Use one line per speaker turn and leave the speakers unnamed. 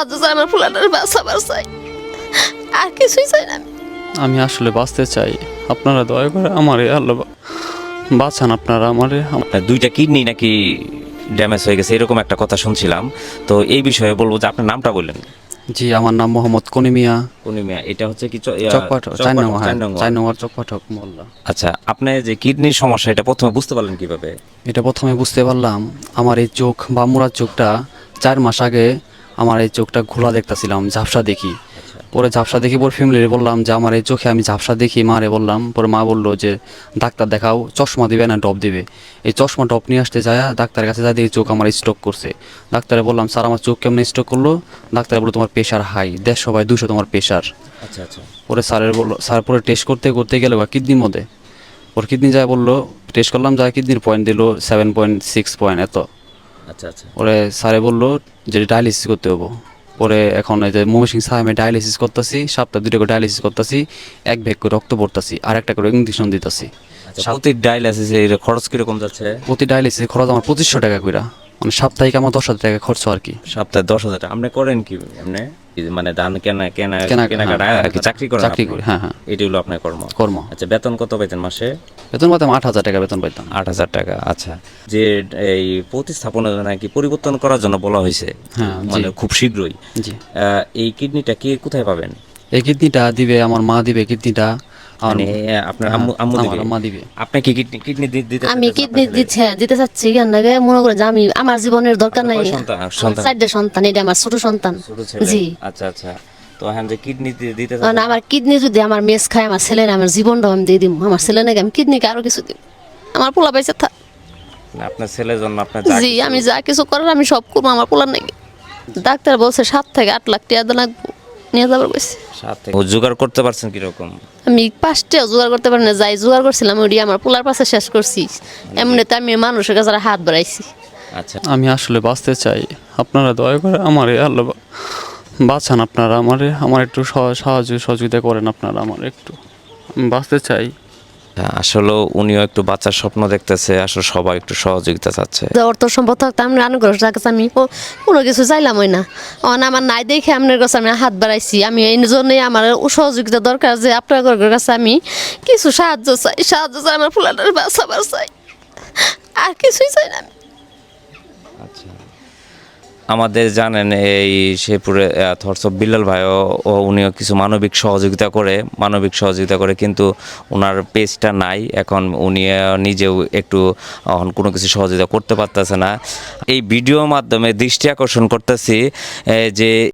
সাহায্য চাই, আমার ফুলাটার বাঁচাবার চাই, আর কিছুই চাই না।
আমি আসলে বাঁচতে চাই, আপনারা দয়া করে আমারে আল্লাহ বাঁচান, আপনারা আমারে।
আপনার দুইটা কিডনি নাকি ড্যামেজ হয়ে গেছে এরকম একটা কথা শুনছিলাম। তো এই বিষয়ে বলবো যে আপনার নামটা বললেন।
জি, আমার নাম মোহাম্মদ কনিমিয়া।
পূর্ণিমা, এটা হচ্ছে কি
চকপাঠক, 4 নম্বর, হ্যাঁ, 4 নম্বর চকপাঠক মোল্লা।
আচ্ছা, আপনি যে কিডনির সমস্যা এটা প্রথমে বুঝতে পারলেন কিভাবে?
এটা প্রথমে বুঝতে পারলাম, আমার এই চোখ বা মুড়ার চোখটা 4 মাস আগে আমার এই চোখটা ঘোলা দেখতেছিলাম, ঝাপসা দেখি। পরে ঝাপসা দেখি, পরে ফ্যামিলিরে বললাম যে আমার এই চোখে আমি ঝাপসা দেখি, মারে বললাম। পরে মা বললো যে ডাক্তার দেখাও, চশমা দিবে না ড্রপ দিবে। এই চশমা ড্রপ নিয়ে আসতে যায় ডাক্তারের কাছে যাই, দেখি চোখ আমার স্ট্রোক করছে। ডাক্তারে বললাম স্যার আমার চোখ কেমন স্ট্রোক করলো? ডাক্তারে বললো তোমার প্রেশার হাই, 150/200 তোমার প্রেশার।
আচ্ছা আচ্ছা।
পরে স্যারের বললো, স্যার পরে টেস্ট করতে করতে গেল কিডনির মধ্যে। ওর কিডনি যায় বললো, টেস্ট করলাম, যায় কিডনির পয়েন্ট দিল 7.6 পয়েন্ট এত।
আচ্ছা আচ্ছা।
পরে স্যারে বললো যে ডায়ালিসিস করতে হবো। পরে এখন এই যে ময়মনসিং সাহেবে ডায়ালিসিস করতেছি, সপ্তাহে 2টা করে ডায়ালিসিস করতেছি, 1 ব্যাগ করে রক্ত পড়তেছি, আর একটা করে ইঞ্জেকশন দিতেছি।
আচ্ছা, প্রতি ডায়ালিসিসের খরচ কিরকম যাচ্ছে?
প্রতি ডায়ালিসিস খরচ আমার 2500 টাকা করে, মানে সাপ্তাহিক আমার 10,000 টাকা খরচ আর কি।
সপ্তাহে 10,000 টাকা। আপনি করেন কি? আপনি মানে ধান কেনাকাটা
হ্যাঁ,
আর কি চাকরি করেন?
চাকরি
আপনি?
করি, হ্যাঁ হ্যাঁ,
এটি হলো আপনার কর্ম।
কর্ম।
আচ্ছা, বেতন কত পাইতেন মাসে?
বেতন পাইতাম 8,000 টাকা বেতন পাইতাম।
8,000 টাকা। আচ্ছা, যে এই প্রতিস্থাপনা নাকি পরিবর্তন করার জন্য বলা হয়েছে,
হ্যাঁ,
মানে
জি।
খুব শীঘ্রই।
জি,
এই কিডনিটা কি কোথায় পাবেন?
এই কিডনিটা দিবে আমার মা, দিবে কিডনিটা। আর
মানে আপনার আম্মু
আমার
দিবে?
আম্মা দিবে।
আপনি কি কিডনি দিতে
আমি
চাচ্ছেন
কিডনি
আপনার ছেলের?
দিতে চাচ্ছি কেন লাগে, মনে করে যে আমি আমার জীবনের দরকার নাই।
কয় সন্তান? সন্তান?
4টে সন্তান, এটা আমার ছোট সন্তান।
ছোট ছেলে?
জি।
আচ্ছা আচ্ছা। তো এখন যে কিডনি দিতে
কারণ আমার কিডনি যদি আমার মেস খায়, আমার ছেলের আমার জীবনটা আমি দিয়ে দিব। আমার ছেলে নাকি আমি কিডনিকে আরো কিছু দিব, আমার পোলা পাইছে থাক।
আপনার ছেলের জন্য আপনার
জি, আমি যা কিছু করার আমি সব করবো আমার পোলার নাকি। ডাক্তার বলছে 7 থেকে 8 লাখ টাকা লাগবো, নিয়ে যাবার কইছে।
সাথে জোগাড় করতে পারছেন কিরকম?
আমি 5টাও জোগাড় করতে পারি না, যাই জোগাড় করছিলাম ওই আমার পোলার পাশে শেষ করছি। এমনিতে আমি মানুষের কাছে হাত বাড়াইছি।
আচ্ছা,
আমি আসলে বাঁচতে চাই, আপনারা দয়া করে আমারে আল্লাহ বাঁচান, আপনারা আমারে, আমার একটু সাহায্য সহযোগিতা করেন আপনারা আমার একটু, আমি বাঁচতে চাই।
আসলে উনিও একটু বাচ্চার স্বপ্ন দেখতেছে, আসলে সবাই একটু সহযোগিতা চাচ্ছে।
যে অর্থ সম্পদ থাকতো আমি আনুগ্রহ কাছে আমি কোনো কিছু চাইলাম ওই না, আমার নাই দেখে আপনার কাছে আমি হাত বাড়াইছি। আমি এই জন্যই আমার সহযোগিতা দরকার, যে আপনার কাছে আমি কিছু সাহায্য চাই, আমার ফুলাটার বাঁচাবার চাই, আর কিছুই চাই না আমি।
আচ্ছা, আমাদের জানেন এই শেরপুরে থরস অফ বিল্লাল ভাইও উনিও কিছু মানবিক সহযোগিতা করে, কিন্তু ওনার পেজটা নাই এখন। উনি নিজেও একটু এখন কোনো কিছু সহযোগিতা করতে পারতেছে না। এই ভিডিওর মাধ্যমে দৃষ্টি আকর্ষণ করতেছি যে